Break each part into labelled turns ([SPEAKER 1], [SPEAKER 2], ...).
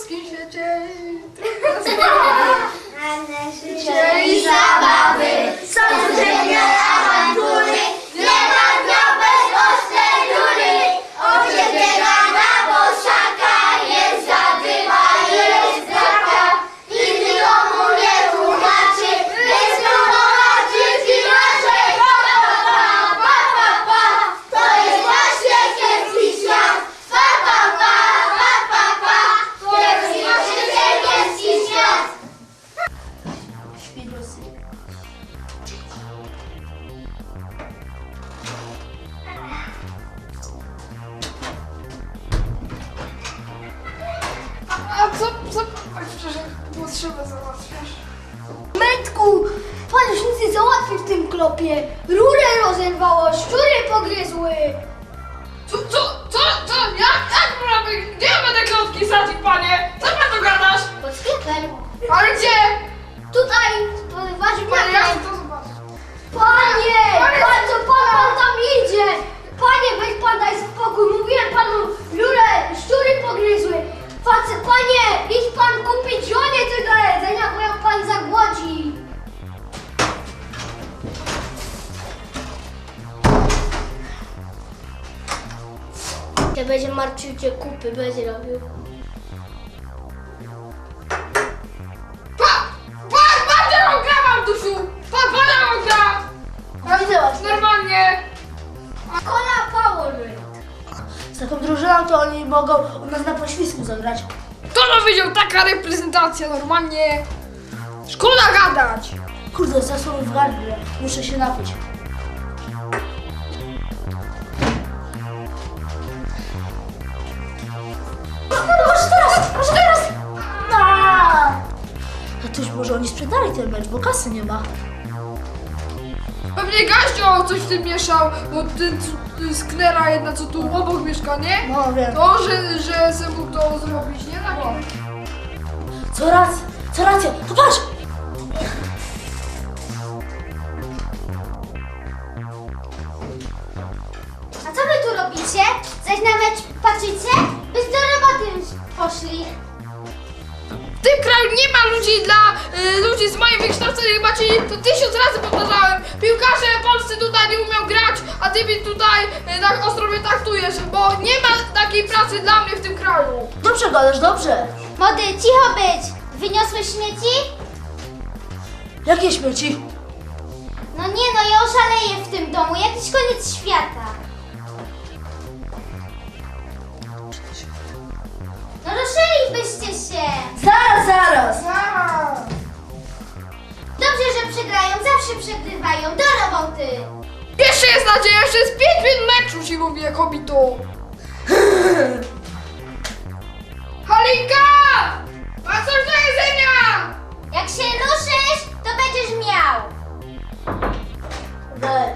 [SPEAKER 1] wszystkim świecie.
[SPEAKER 2] Życie i zabawy, są codzienne awantury, nie ma dnia bez ostrej rury. Ojciec biega na boszaka, jest zadyma, jest draka i nikomu nie tłumaczy, jest tłumaczyć inaczej. Pa, pa, pa, pa, pa, to jest właśnie kiepski świat. Pa, pa, pa, pa, pa, pa, kiepski, oczywiście kiepski świat.
[SPEAKER 1] A co? Oj, przepraszam, potrzebę załatwiasz.
[SPEAKER 3] Metku, pan już nic nie załatwi w tym klopie. Rurę rozerwało, szczury pogryzły.
[SPEAKER 1] Co? Jak mamy? Gdzie ja będę klotki sadzić, panie? Co pan tu gadasz?
[SPEAKER 3] Pod sklepem.
[SPEAKER 1] Ale gdzie?
[SPEAKER 3] Tutaj, wasz
[SPEAKER 1] Panie, ja
[SPEAKER 3] miarę.
[SPEAKER 1] chcę to zobaczyć.
[SPEAKER 3] Panie, pan co pan tam idzie? Panie, weź pan daj spokój. Mówiłem panu, rurę, szczury pogryzły. Panie, idź pan kupić żonie coś do jedzenia, bo jak pan zagłodzi. To będzie martwił cię kupy, będzie robił.
[SPEAKER 1] Pan rąka mam, Dusiu! Pana rąka!
[SPEAKER 3] Widzę was.
[SPEAKER 1] Normalnie!
[SPEAKER 3] Kola Power. Z taką drużyną to oni mogą u nas na poświsku zagrać.
[SPEAKER 1] Kto to widział? Taka reprezentacja, normalnie! Szkoda gadać!
[SPEAKER 3] Kurde, zasło mi w gardle. Muszę się napić. Może teraz! A to już może oni sprzedali ten mecz, bo kasy nie ma.
[SPEAKER 1] Pewnie Gaździo coś w tym mieszał, bo ten sknera jedna, co tu obok mieszka, nie?
[SPEAKER 3] No wiem.
[SPEAKER 1] To, że se mógł to zrobić, nie? Tak.
[SPEAKER 3] Co racja, to patrz!
[SPEAKER 2] A co wy tu robicie? Zaś na mecz patrzycie? Byś do roboty już poszli.
[SPEAKER 1] W tym kraju nie ma ludzi dla ludzi z moim wykształceniem, chyba ci to 1000 razy powtarzałem. Piłkarze polscy tutaj nie umią grać, a ty mi tutaj tak ostro mnie traktujesz, bo nie ma takiej pracy dla mnie w tym kraju.
[SPEAKER 3] Dobrze gadasz, dobrze.
[SPEAKER 2] Młody, cicho być! Wyniosłeś śmieci?
[SPEAKER 3] Jakie śmieci?
[SPEAKER 2] No nie no, ja oszaleję w tym domu. Jakiś koniec świata. No ruszylibyście się!
[SPEAKER 3] Zaraz!
[SPEAKER 2] Dobrze, że przegrają, zawsze przegrywają. Do roboty!
[SPEAKER 1] Jeszcze jest nadzieja, jeszcze jest 5 minut meczu, ci mówię, kobito. Halinka! Ma coś do jedzenia!
[SPEAKER 2] Jak się ruszysz, to będziesz miał.
[SPEAKER 3] Weź.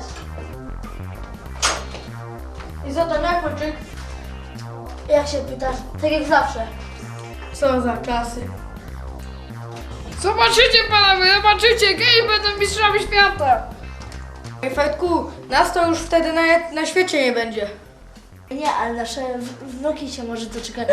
[SPEAKER 3] I za to jak poczyk? Jak się pytasz? Tak jak zawsze. Co za czasy.
[SPEAKER 1] Zobaczycie panowie, zobaczycie, kiedyś będą mistrzami świata.
[SPEAKER 4] Ej, Fajtku, nas to już wtedy na świecie nie będzie.
[SPEAKER 3] Nie, ale nasze wnuki się może doczekają.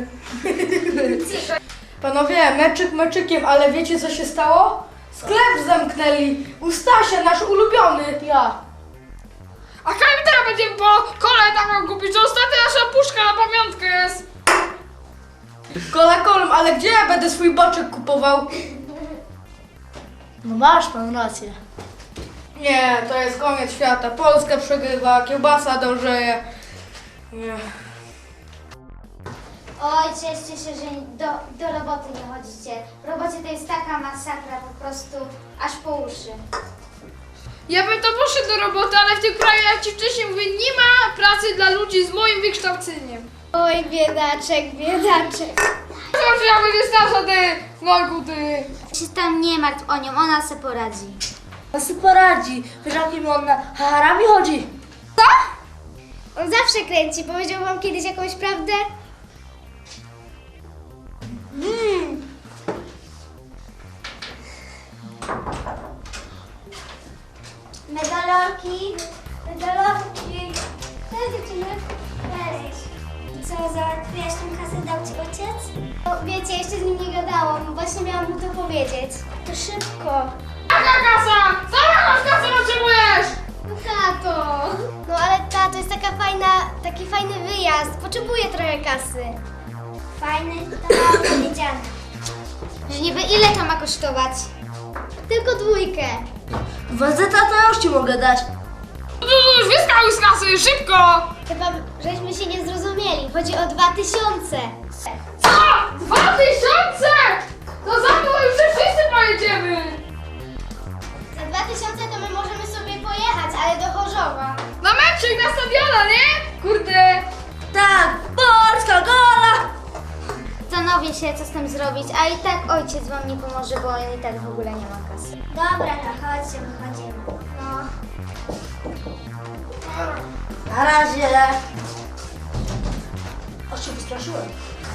[SPEAKER 4] Panowie, meczyk meczykiem, ale wiecie co się stało? Sklep zamknęli. U Stasia, nasz ulubiony.
[SPEAKER 3] Ja.
[SPEAKER 1] A kiedy teraz będziemy po kole tam kupić? To ostatnia nasza puszka na pamiątkę jest.
[SPEAKER 4] Kola kolem, ale gdzie ja będę swój boczek kupował?
[SPEAKER 3] No masz pan rację.
[SPEAKER 4] Nie, to jest koniec świata. Polska przegrywa, kiełbasa dążeje. Nie.
[SPEAKER 2] Oj, cieszcie się, że do roboty nie chodzicie. W robocie to jest taka masakra, po prostu aż po uszy.
[SPEAKER 1] Ja bym to poszedł do roboty, ale w tym kraju, jak ci wcześniej mówię, nie ma pracy dla ludzi z moim wykształceniem.
[SPEAKER 2] Oj, biedaczek, biedaczek.
[SPEAKER 1] Zobacz, ja będzie starsza, ty, Nojku, ty.
[SPEAKER 2] Się tam nie martw o nią, ona se poradzi.
[SPEAKER 3] On sobie poradzi. Wiesz, jakim on na harami chodzi?
[SPEAKER 2] On zawsze kręci. Powiedział wam kiedyś jakąś prawdę? Medalorki. Cześć dziewczyny. Cześć. Co, załatwiłaś tą kasę, dał ci ojciec? Wiecie wiecie, jeszcze z nim nie gadałam. Właśnie miałam mu to powiedzieć. To szybko.
[SPEAKER 1] Jaka kasa? Sama kasę potrzebujesz!
[SPEAKER 2] No tato. No ale tato, jest taki fajny wyjazd. Potrzebuję trochę kasy. Fajny? To powiedziane. Że niby ile to ma kosztować? Tylko 2.
[SPEAKER 3] Wazeta to ja już ci mogę dać.
[SPEAKER 1] Już wyskał z kasy, szybko!
[SPEAKER 2] Chyba żeśmy się nie zrozumieli. Chodzi o 2000.
[SPEAKER 1] Co? 2000? To za mną już wszyscy pojedziemy!
[SPEAKER 2] Za 2000 to my możemy sobie pojechać, ale do Chorzowa.
[SPEAKER 1] Na meczek na stadiona, nie? Kurde!
[SPEAKER 3] Tak, Polska, gola!
[SPEAKER 2] Zastanowię się, co z tym zrobić, a i tak ojciec wam nie pomoże, bo on i tak w ogóle nie ma kasy. Dobra, to chodźcie, wychodzimy. No.
[SPEAKER 3] Na razie. Aż się wystraszyłem.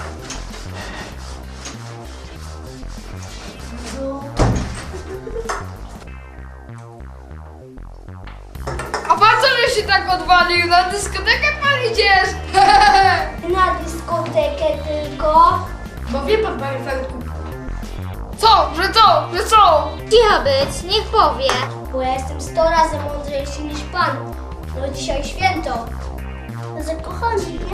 [SPEAKER 1] A pan co, że się tak odwalił? Na dyskotekę pan idziesz?
[SPEAKER 2] Na dyskotekę tylko.
[SPEAKER 4] Bo wie pan, panie Feldku,
[SPEAKER 1] Co? Że co? Że co?
[SPEAKER 2] Cicho być, niech powie. Bo ja jestem 100 razy mądrzejszy niż pan. No dzisiaj święto. Zakochany, nie?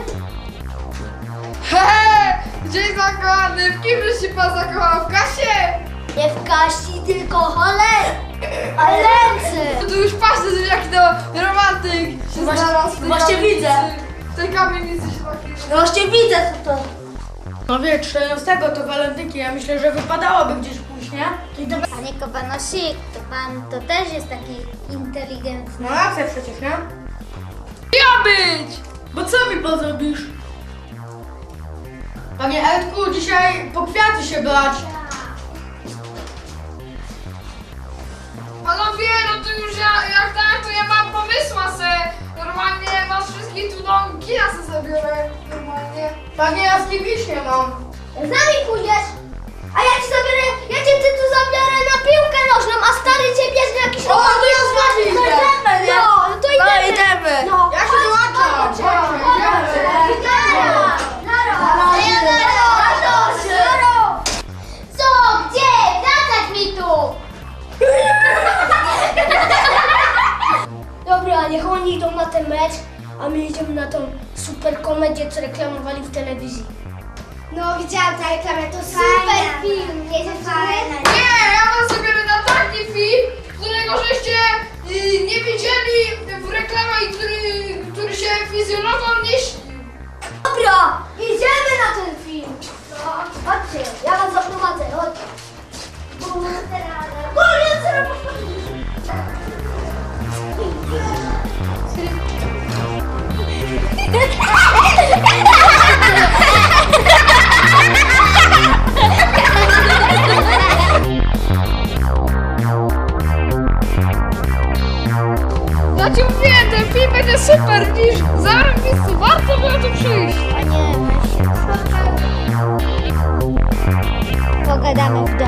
[SPEAKER 1] Hehe! Dzień zakochany, w kimże się pan zakochał? W Kasie?
[SPEAKER 2] Nie w Kasi, tylko ale ręce.
[SPEAKER 1] No to już patrzę, że jaki to romantyk się znalazł w tej
[SPEAKER 3] Właśnie
[SPEAKER 1] kamienicy.
[SPEAKER 3] widzę.
[SPEAKER 1] W tej kamienicy się taki...
[SPEAKER 3] No właśnie widzę co to.
[SPEAKER 4] no wie, 14 to walentynki, ja myślę, że wypadałoby gdzieś pójść, nie?
[SPEAKER 2] Panie Kowanosik, to pan to też jest taki inteligentny.
[SPEAKER 4] No jak chcę przecież, nie?
[SPEAKER 1] Ja być!
[SPEAKER 4] Bo co mi pan zrobisz? Panie Edku, dzisiaj po kwiaty się brać.
[SPEAKER 1] Panowie, no to już jak tak, to ja mam pomysła se. Normalnie was wszystkich tu do kina se zabiorę. Normalnie.
[SPEAKER 4] Panie, ja z kim iść nie mam.
[SPEAKER 2] Z nami pójdziesz, a ja cię tu zabiorę na piłkę nożną, a stary cię bierze jakiś
[SPEAKER 4] O, to ja z wami idę.
[SPEAKER 2] idziemy, nie? No to idziemy.
[SPEAKER 3] No idziemy.
[SPEAKER 2] No.
[SPEAKER 4] Ja się dołączam. Chodźmy, idziemy.
[SPEAKER 2] Co? Gdzie? Wracać mi tu! Dobra, niech oni idą na ten mecz, a my idziemy na tą super komedię, co reklamowali w telewizji. No, widziałam tę reklamę, to super film, nie fajna.
[SPEAKER 1] Nie, ja was zabiorę na taki film, którego żeście nie widzieli w reklamach i który się fizjologom nie śnił.
[SPEAKER 2] Dobra, idziemy na ten film. No, chodźcie, ja was zaprowadzę, chodź.
[SPEAKER 1] Ja ci mówię, ten film będzie super, widzisz? Zaraz miejscu, warto było tu przyjść.
[SPEAKER 2] Pogadamy w domu.